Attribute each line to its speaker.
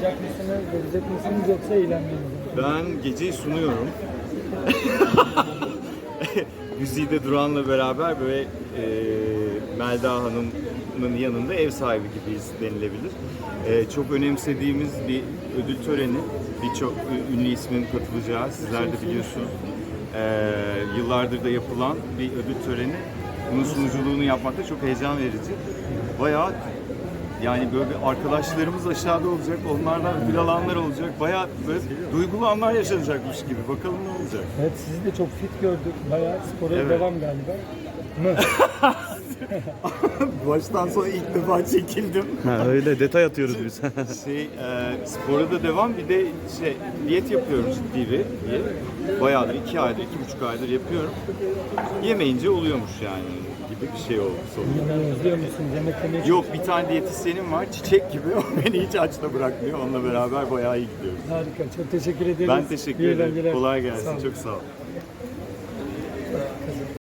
Speaker 1: sunacak mısınız, verecek misiniz yoksa eğlenmeniz mi?
Speaker 2: Ben geceyi sunuyorum. Güzide Duran'la beraber böyle Melda Hanım'ın yanında ev sahibi gibiyiz denilebilir. Çok önemsediğimiz bir ödül töreni. Birçok ünlü ismin katılacağı, sizler de biliyorsunuz. Yıllardır da yapılan bir ödül töreni. Bunun sunuculuğunu yapmak da çok heyecan verici. Bayağı yani böyle bir arkadaşlarımız aşağıda olacak, onlardan ödül alanlar olacak. Bayağı böyle duygulu anlar yaşanacakmış gibi. Bakalım ne olacak.
Speaker 1: Evet, sizi de çok fit gördük. Bayağı spora
Speaker 2: Evet.
Speaker 1: devam galiba. Mı?
Speaker 2: Baştan sona ilk defa çekildim.
Speaker 3: Ha, öyle detay atıyoruz biz.
Speaker 2: Spora da devam. Bir de diyet yapıyorum ciddi bir diyet. Bayağıdır, 2 aydır, 2,5 aydır yapıyorum. Yemeyince oluyormuş yani gibi bir şey oldu sonunda.
Speaker 1: Yani özlüyor musunuz? Yemek yemeyi
Speaker 2: Yok, bir tane diyetisyenim var, çiçek gibi. O beni hiç açta bırakmıyor. Onunla beraber bayağı iyi gidiyoruz.
Speaker 1: harika. Çok teşekkür ederiz.
Speaker 2: Ben teşekkür
Speaker 1: İyi
Speaker 2: ederim.
Speaker 1: eğlenceler.
Speaker 2: Kolay
Speaker 1: Sağ
Speaker 2: gelsin.
Speaker 1: olun.
Speaker 2: Çok sağ ol.